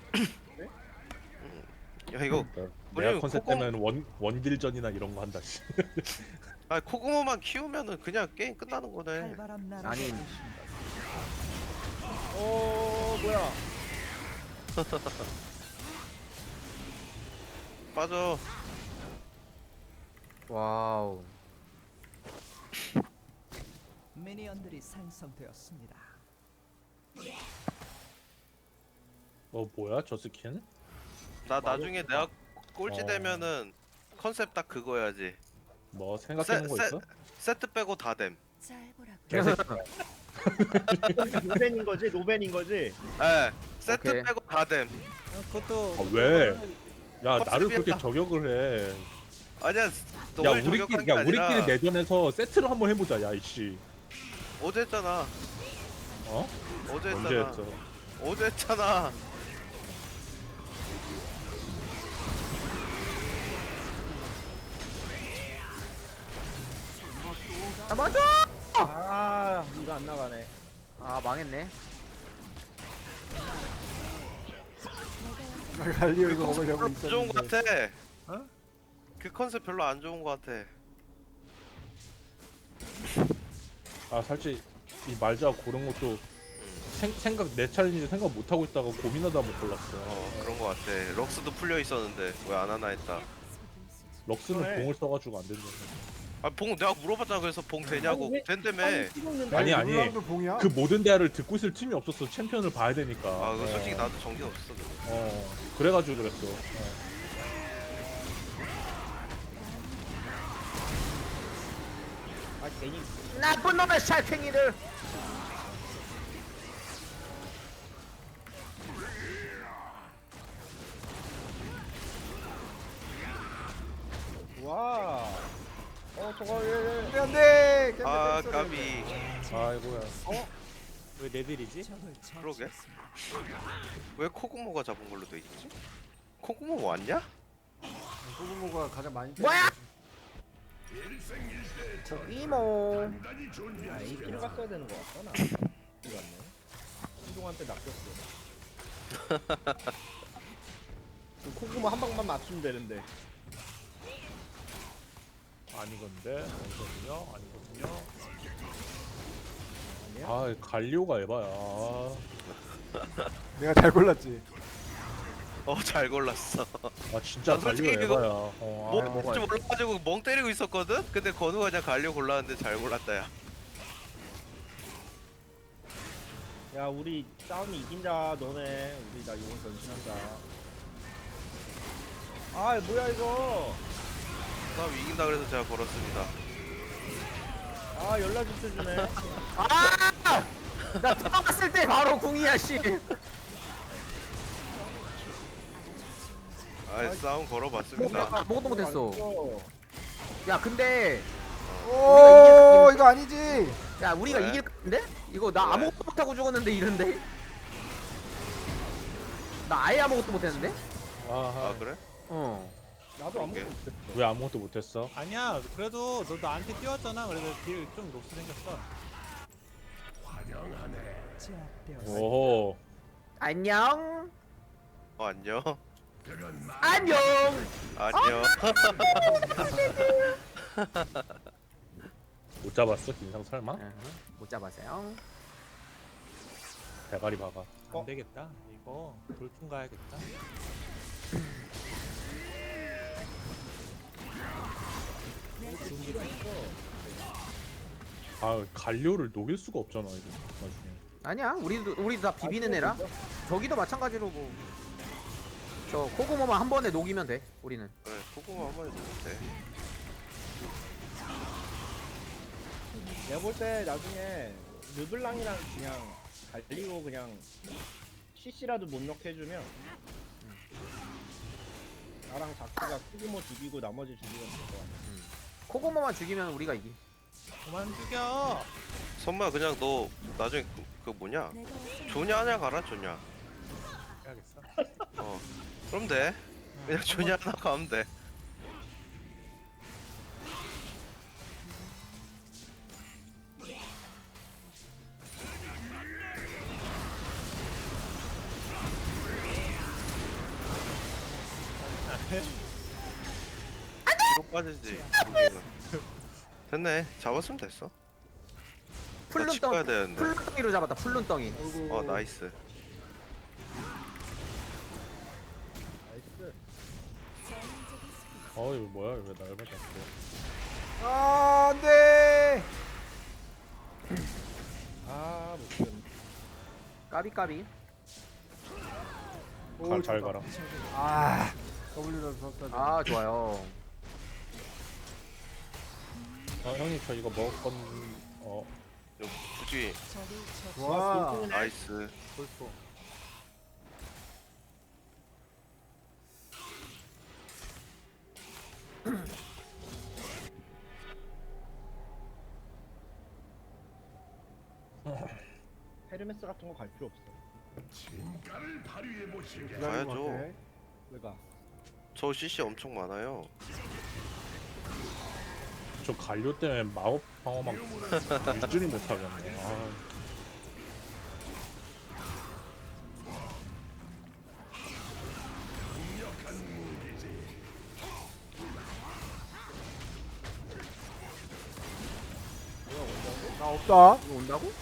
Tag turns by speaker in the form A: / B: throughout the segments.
A: 야 이거
B: 내가
A: 우리
B: 컨셉
A: 코고
B: 때문에 원딜전이나 이런 거 한다. 씨.
A: 아 코고모만 키우면은 그냥 게임 끝나는 거네.
C: 칼바람 나라
D: 아니.
E: 뭐야?
A: 빠져.
D: 와우.
C: 미니언들이 생성되었습니다.
B: 뭐야 저 스킨?
A: 나 나중에 내가 꼴찌
B: 어.
A: 되면은 컨셉 딱 그거야지.
B: 뭐 생각해놓은 거 있어?
A: 세트 빼고 다 됨.
C: 잘 보라고.
E: 노벤인 거지? 노벤인 거지?
A: 예. 세트
D: 오케이.
A: 빼고 다 됨.
E: 그것도
B: 아, 왜? 야 나를
A: 컨셉이야.
B: 그렇게 저격을 해.
A: 아니야.
B: 야
A: 너를 저격한 게
B: 우리끼리
A: 아니라
B: 내전에서 세트를 한번 해보자. 야 이씨.
A: 어제 했잖아.
B: 어?
A: 어제
B: 언제
A: 했잖아.
B: 했어?
A: 어제 했잖아.
D: 아 맞아.
E: 이거 안 나가네.
D: 아 망했네.
E: 갈리오
A: 그
E: 이거
A: 컨셉
E: 먹으려고
A: 별로 안 좋은 거
E: 있었는데.
A: 같아. 그 컨셉 별로 안 좋은 거 같아.
B: 아 살짝 이 말자 고른 것도 생각 내 차례인지 생각 못 하고 있다가 고민하다 못 골랐어.
A: 그런 거 같아. 럭스도 풀려 있었는데 왜 안 하나 했다.
B: 럭스는
E: 그래.
B: 공을 써가지고 안 된다.
A: 봉 내가 물어봤잖아. 그래서 봉 되냐고.
E: 아니, 왜-
A: 된다며.
B: 아니
E: 봉이야?
B: 그 모든 대화를 듣고 있을 틈이 없었어. 챔피언을 봐야 되니까.
A: 아, 그 솔직히 나도 정신 없었어.
B: 그래가지고 그랬어.
E: 아 괜히
D: 나쁜 놈의 살팽이들.
E: 와. 저거 안돼.
A: 아, 까비.
B: 아이고야.
E: 왜 내들이지?
C: 적을
A: 그러게.
C: 처치했습니다.
A: 왜 코구모가 잡은 걸로 돼 있지? 코구모 왔냐?
E: 소금모가 가장 많이.
D: 뭐야? 이모.
E: 아, 이끼를 갔어야 되는 거 같구나. 이거 같네. 신동한테 낚였어. 그 콩고모 한 방만 맞추면 되는데.
B: 아니건데 아니거든요. 아니거든요.
E: 아니야?
B: 아 갈리오가 에바야.
F: 내가 잘 골랐지.
A: 잘 골랐어.
B: 아 진짜
A: 난 솔직히
B: 갈리오
A: 그거
B: 에바야.
A: 뭐
B: 아,
A: 뭔지 몰라가지고 멍 때리고 있었거든? 근데 건우가 그냥 갈려 골랐는데 잘 골랐다, 야.
E: 야 우리 싸움이 이긴다 너네. 우리 나 용을 변신한다. 아 뭐야 이거.
A: 싸움 이긴다 그래서 제가 걸었습니다.
E: 아 연락 좀 주네.
D: 아! 나 들어갔을 때 바로 궁이야 씨.
A: 싸움 걸어봤습니다.
D: 아무것도 못했어. 야 근데
F: 오 이거 아니지.
D: 야 우리가
A: 왜?
D: 이길 건데? 이거 나
A: 왜?
D: 아무것도 못하고 죽었는데 이런데? 나 아예 아무것도 못했는데?
A: 아, 그래?
D: 어.
E: 나도 아무것도
A: 오케이.
E: 못했어.
B: 왜 아무것도 못했어?
G: 아니야 그래도 너 나한테 뛰었잖아. 그래서 딜 좀 녹스 생겼어.
C: 제압되었습니다.
B: 오호.
D: 안녕.
A: 안녕.
D: 안녕.
A: 안녕.
B: 못 잡았어 김상 설마?
D: 못 잡았어요.
B: 대가리 박아.
G: 안 되겠다. 이거 돌풍 가야겠다.
B: 아 갈리오를 녹일 수가 없잖아 이거 나중에.
D: 아니야 우리도 다 비비는 애라. 저기도 마찬가지로 뭐. 저 코고모만 한 번에 녹이면 돼. 우리는.
A: 그래, 코구모 한 번에 넣으면 돼.
E: 내가 볼 때 나중에 르블랑이랑 그냥 갈리고 그냥 CC라도 못 넣게 해주면 나랑 자크가 콩고모 죽이고 나머지 죽이면 될 것 같아.
D: 코고모만 죽이면 우리가 이기.
G: 그만 죽여.
A: 선마 그냥 너 나중에 그 뭐냐? 조냐 하냐 가라 조냐.
G: 해야겠어.
A: 그럼 돼. 그냥 조냐 하나 가면 돼. 뒤로 빠지지. 여기는. 됐네. 잡았으면 됐어. 나
D: 풀룬
A: 집 가야
D: 덩
A: 되는데.
D: 풀룬 덩이로 잡았다. 풀룬 덩이.
A: 어 나이스.
E: 나이스.
B: 어 이거 뭐야 왜 날 맞았어?
F: 아 안돼.
E: 아 못했네.
D: 까비.
B: 잘 가라.
F: 아 W라도 썼다.
D: 아 좋아요.
B: 형님 저 이거 먹을 건
A: 좀 굳이
F: 와.
A: 나이스.
F: 벌써.
E: 헤르메스 같은 거 갈 필요 없어.
A: 가야죠.
E: 왜가?
A: 저 CC 엄청 많아요.
B: 저 갈료 때문에 마법 방어막 유지를 못하겠네. 아.
F: 나 없다.
D: 이거 온다고?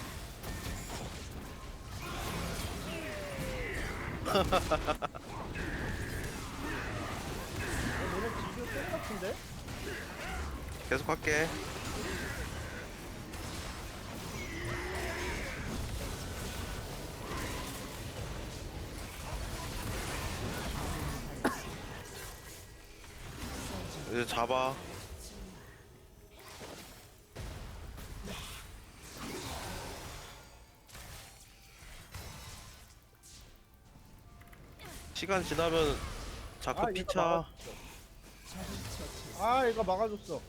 E: 너네 지금 똑같은데?
A: 계속 할게. 이제 잡아. 시간 지나면 자꾸
E: 아, 얘가
A: 피차.
E: 아 얘가 막아줬어.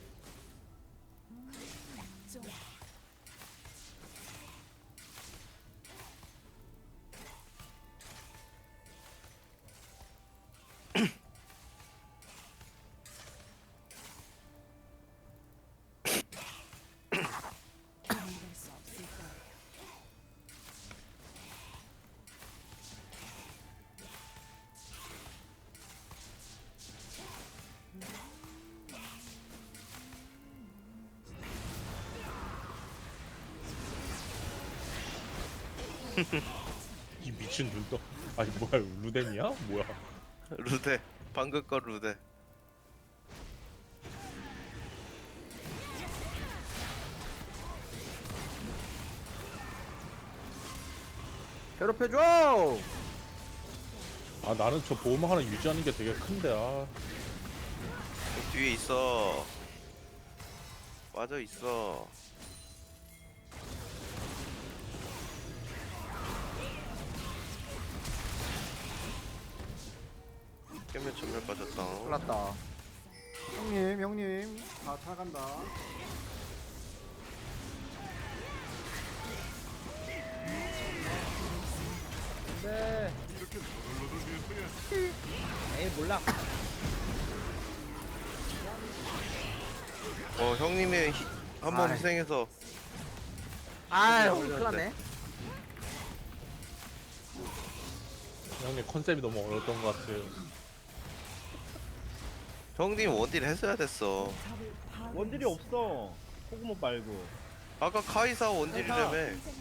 B: 이 미친 눈떠. 아니 뭐야 루덴이야? 뭐야?
A: 루데. 방금 거 루데.
D: 괴롭혀줘.
B: 아 나는 저 보호막 하나 유지하는 게 되게 큰데 아.
A: 뒤에 있어. 맞아 있어. 깨면 전멸 빠졌다.
D: 올랐다.
F: 형님 다 타간다.
E: 네. 에이 몰라.
A: 형님의 한 번
D: 아이.
A: 희생해서
D: 아유
A: 올렸는데.
D: 큰일났네.
B: 형님 컨셉이 너무 어려웠던 것 같아요.
A: 형님 원딜 했어야 됐어.
E: 원딜이 없어. 코그모 말고.
A: 아까 카이사 원딜이라며.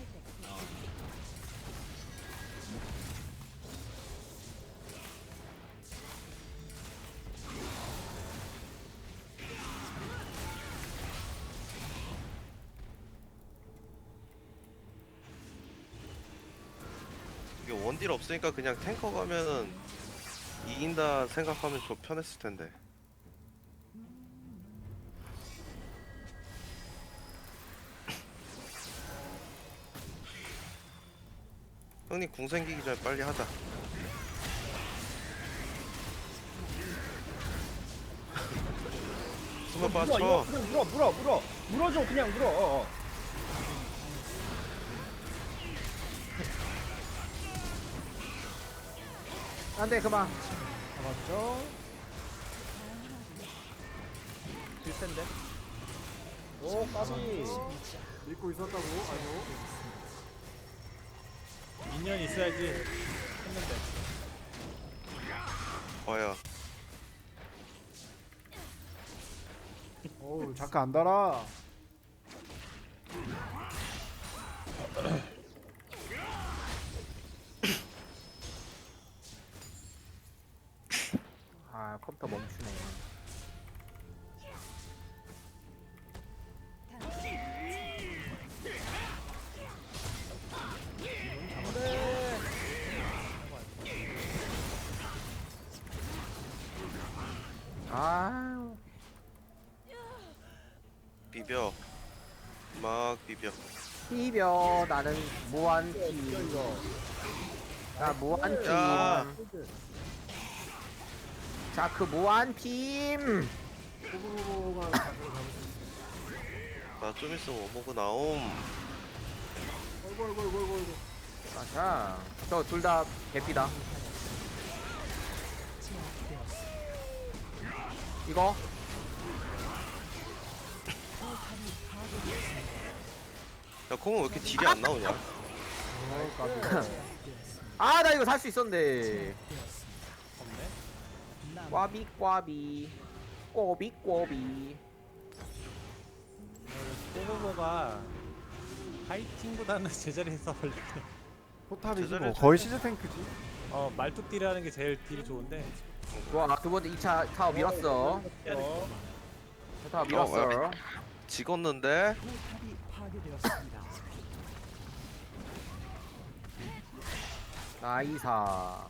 A: 이게 원딜 없으니까 그냥 탱커 가면은 이긴다 생각하면 좀 편했을 텐데. 형님 궁 생기기 전에 빨리 하자. 수면
E: 물어,
A: 빠쳐.
E: 이거 물어줘 그냥 물어.
D: 안돼 그만.
F: 잡았죠?
E: 질 텐데. 오 까비.
F: 믿고 있었다고. 아이고.
G: 미니언 있어야지 했는데.
A: 와야.
F: 어우 잠깐 안 달아.
D: 아 컴퓨터 멈추네. 아
A: 비벼. 막 비벼.
D: 비벼 나는 무한 팀. 나 무한
A: 야.
D: 팀. 자크 무한 팀.
F: 호구로가 자세를 잡을 수 있어.
A: 나 좀 있으면 오모그 나옴.
F: 어이구 어이구 어이구 어이구.
D: 자, 저 둘 다 개피다. 이거
A: 야 콩은 왜 이렇게 딜이 안 나오냐?
F: 어 까비.
D: 아 나 이거 살 수 있었는데.
G: 없네.
D: 꽈비 꽈비 꼬비 꼬비.
G: 꼬보보가 파이팅보다는 제자리에서 원래
F: 포탑이지 뭐
A: 제자리에서
F: 거의 시즈 탱크지.
G: 말뚝딜하는 게 제일 딜이 좋은데
D: 좋아 두 번째 2차 타워 밀었어. 타워 밀었어.
A: 찍었는데
C: 포탑이 파괴되었습니다.
D: 나이사.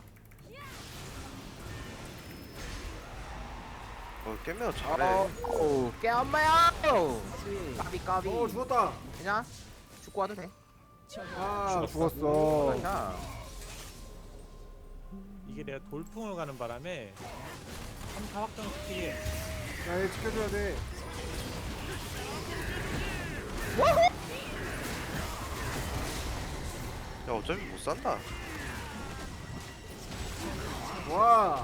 A: 깨면 잘해.
D: 깨엄마야. 까비 까비.
F: 어 죽었다.
D: 그냥 죽고 와도 돼.
F: 아 죽었어.
D: 자,
G: 이게 내가 돌풍을 가는 바람에 3타 확정 스킬이
F: 야얘 지켜줘야 돼.
A: 야 어차피 못 산다.
F: 와.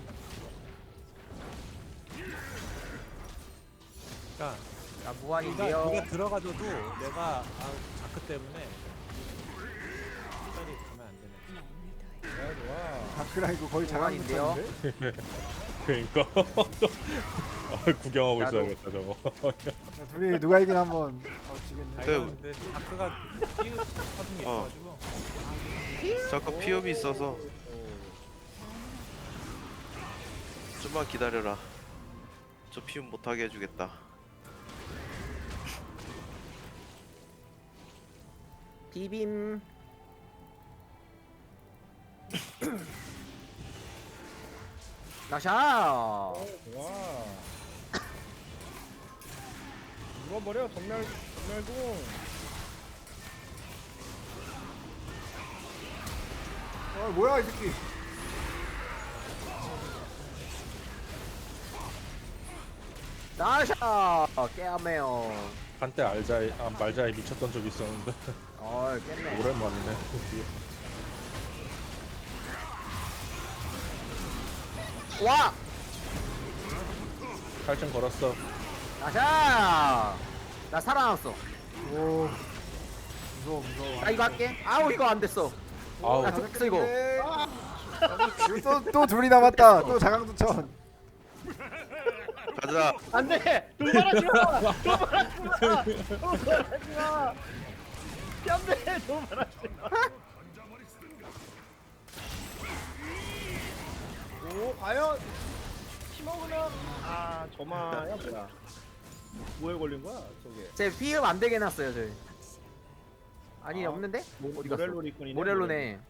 G: 그러니까
D: 나
G: 네가
D: 무한인데요.
G: 들어가줘도 내가 자크 때문에 시간이 가면 안 되네.
F: 다크라 이거 거의
D: 무한인데요?
F: 자강부터인데.
B: 그러니까 구경하고
D: 나도.
B: 있어야겠다 저거.
F: 자, 둘이 누가 이긴 한번. 지겠네.
G: 아니,
A: 네.
G: 근데 자크가 끼우 하는 게 있어가지고
A: 잠깐 피업이 있어서 좀만 기다려라. 저 피업 못하게 해주겠다.
D: 비빔. 나샤.
E: 와. 물어버려 전멸궁.
F: 아 뭐야 이 새끼.
D: 나샤. 깨어매요.
B: 한때 말자에 미쳤던 적이 있었는데
D: 깼네.
B: 오랜만이네.
D: 와.
B: 칼좀 걸었어.
D: 나샤. 나 살아남았어.
F: 오. 무서워 무서워.
D: 나 이거 할게. 아우 이거 안 됐어.
B: 아우
D: 나 됐어 이거.
F: 또 둘이 남았다. 또 자강두천.
A: 가자.
E: 안돼. 도발하지 마. 도발하지 마. 도발하지 마. 안돼. 도발하지 마. 오 과연 팀워크는 저마야 뭐야? 뭐에 걸린 거야 저게?
D: 제 피흡 안 되게 해놨어요 저희. 아니 없는데? 어디 갔어?
E: 모렐로 리콘이네.
D: 모렐로네.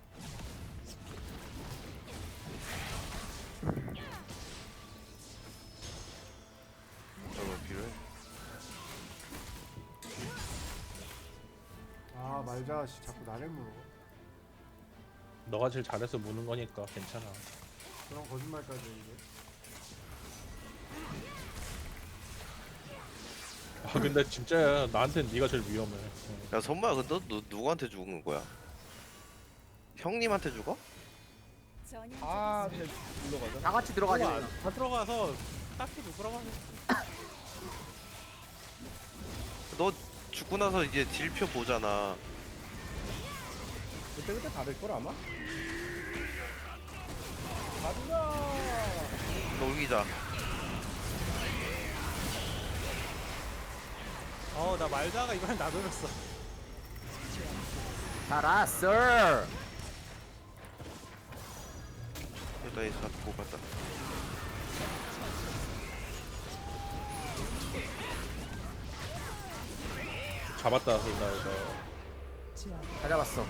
A: 저거 필요해.
F: 아 말자 씨 자꾸 나를 물어.
B: 너가 제일 잘해서 무는 거니까 괜찮아.
F: 그런 거짓말까지 이게.
B: 아 근데 진짜 나한텐 네가 제일 위험해.
A: 야 선마야 근데 너 누구한테 죽은 거야? 형님한테 죽어?
E: 쟤 불러가자.
D: 다 같이 들어가지.
G: 다 들어가서 딱히 누구라고 하겠어.
A: 너 죽고 나서 이제 딜표 보잖아.
E: 그때 다를 걸 아마. 가자.
A: 놀기자.
G: 나 말다가 이번엔 나돌렸어.
D: 살았어.
A: 일단 이 잡고 갔다.
B: 잡았다 설마
D: 다 잡았어.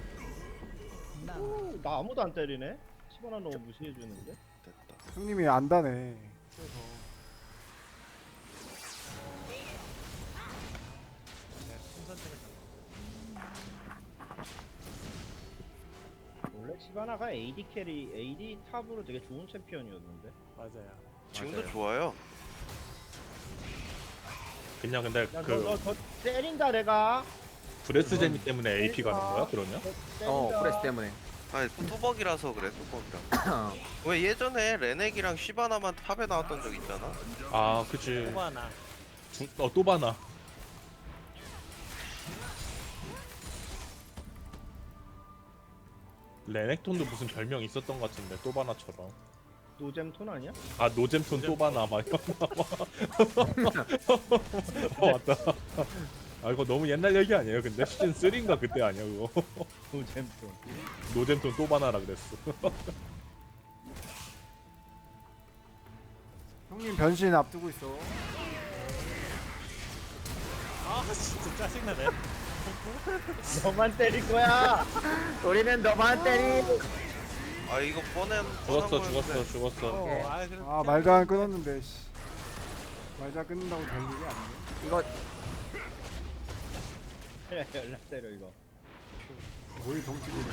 E: 나 아무도 안 때리네. 시바나 너무 무시해주는데.
A: 됐다.
F: 형님이 안다네. 그래서
G: 네, 순선택을
E: 원래 시바나가 AD 캐리, AD 탑으로 되게 좋은 챔피언이었는데.
G: 맞아요.
A: 지금도
B: 맞아요.
A: 좋아요.
B: 그냥 근데
E: 야,
B: 그
E: 너 때린다 내가.
B: 브레스 재미 때문에 AP 가는 거야 그러면?
D: 프레스 때문에.
A: 아니 뚜벅이라서 그래 뚜벅이라. 왜 예전에 레넥이랑 시바나만 탑에 나왔던 적 있잖아.
B: 아 그치
G: 호바나.
B: 또 바나 레넥톤도 무슨 별명 있었던 것 같은데 또 바나처럼
E: 노잼톤 아니야?
B: 아 노잼톤 또 바나 막 이런 맞다 아 이거 너무 옛날 얘기 아니에요 근데 시즌 3인가 그때 아니야 그거
E: 노잼톤.
B: 노잼톤 또 바나라 그랬어
F: 형님 변신 앞두고 있어.
G: 진짜 짜증나네.
E: 너만 때릴 거야.
D: 우리는 너만 때리.
A: 아 이거 뻔한
B: 죽었어
G: 그래.
F: 아 말자 끊었는데. 씨. 말자 끊는다고 될 일이 아니네.
D: 이거
E: 연락 때려 이거.
F: 거의 동치기네.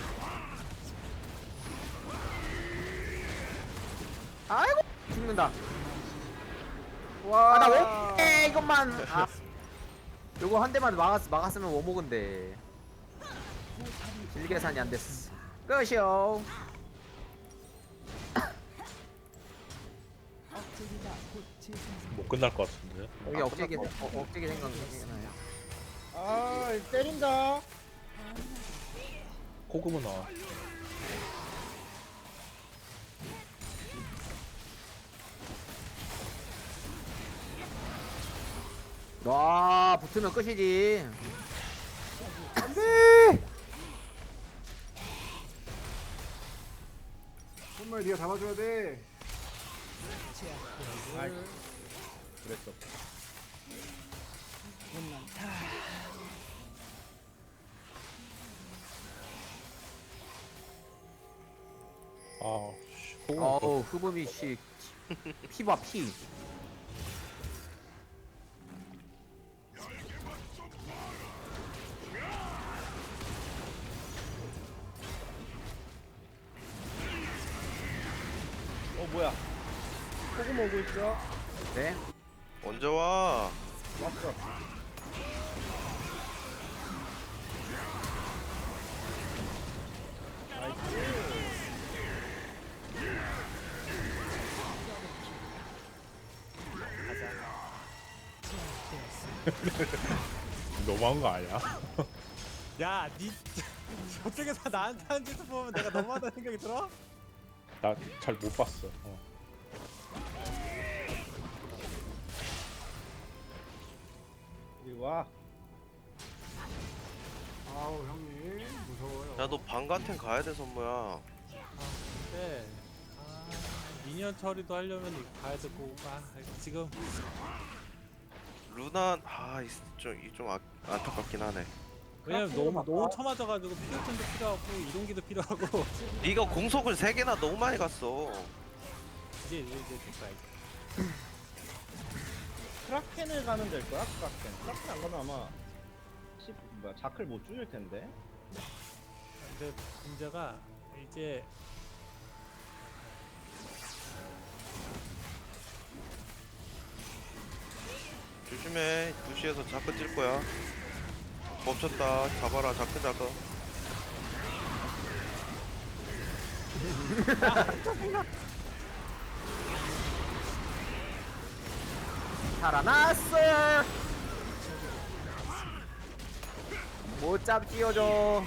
D: 아이고 죽는다.
F: 와.
D: 나 왜 이것만. 요거 한 대만 막았으면 워목인데. 질 계산이 안 됐어. 끝이요.
C: 억제기가 곧 재생성.
B: 못 끝날 것 같은데
D: 여기 억제기 생각나요.
E: 아 때린다.
B: 코그모 나와
D: 와 붙으면 끝이지.
F: 정말 네가 잡아줘야 돼.
E: 아이, 그랬어.
B: 아 씨, 코그모
D: 어우 흐범이 씨 피봐 피.
E: 뭐야? 소금 오고 있어.
D: 네.
A: 언제 와?
E: 왔어.
B: 너무한 거 아니야?
G: 야, 저쪽에서 나한테 하는 짓을 보면 내가 너무하다는 생각이 들어?
B: 나 잘 못 봤어
E: 이리 와.
F: 아우 형님 무서워요.
A: 야 너 방가텐 가야 돼 선모야.
G: 네. 미니언 처리도 하려면 이거 가야 되고, 지금
A: 루나 좀 안타깝긴 하네.
G: 왜냐면 너무 처맞아가지고 피격전도 필요하고 이동기도 필요하고
A: 네가 공속을 3개나 너무 많이 갔어.
G: 이제 됐다 이제.
E: 크라켄을 가면 될 거야? 크라켄 안 가면 아마 자클 못 줄일 텐데.
G: 근데 문제가 이제
A: 조심해. 2시에서 자크 찔 거야. 멈췄다. 잡아라. 자크 잡아.
D: 살아났어. 못 잡지어줘.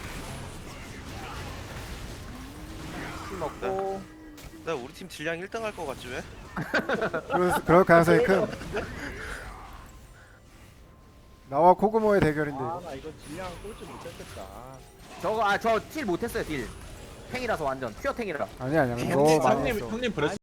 D: 술 먹고.
A: 나 우리 팀 질량 1등 할 거 같지 왜?
F: 그럴 가능성이 큰. 나와 코그모의 대결인데 이거.
E: 아나 이거 질량 꼴찌 못했겠다.
D: 저거 저 딜 못했어요 딜. 탱이라서 완전 퓨어 탱이라.
F: 아니야
B: 형님,
F: 너무 많이
B: 형님,
F: 했어.
B: 형님 브레스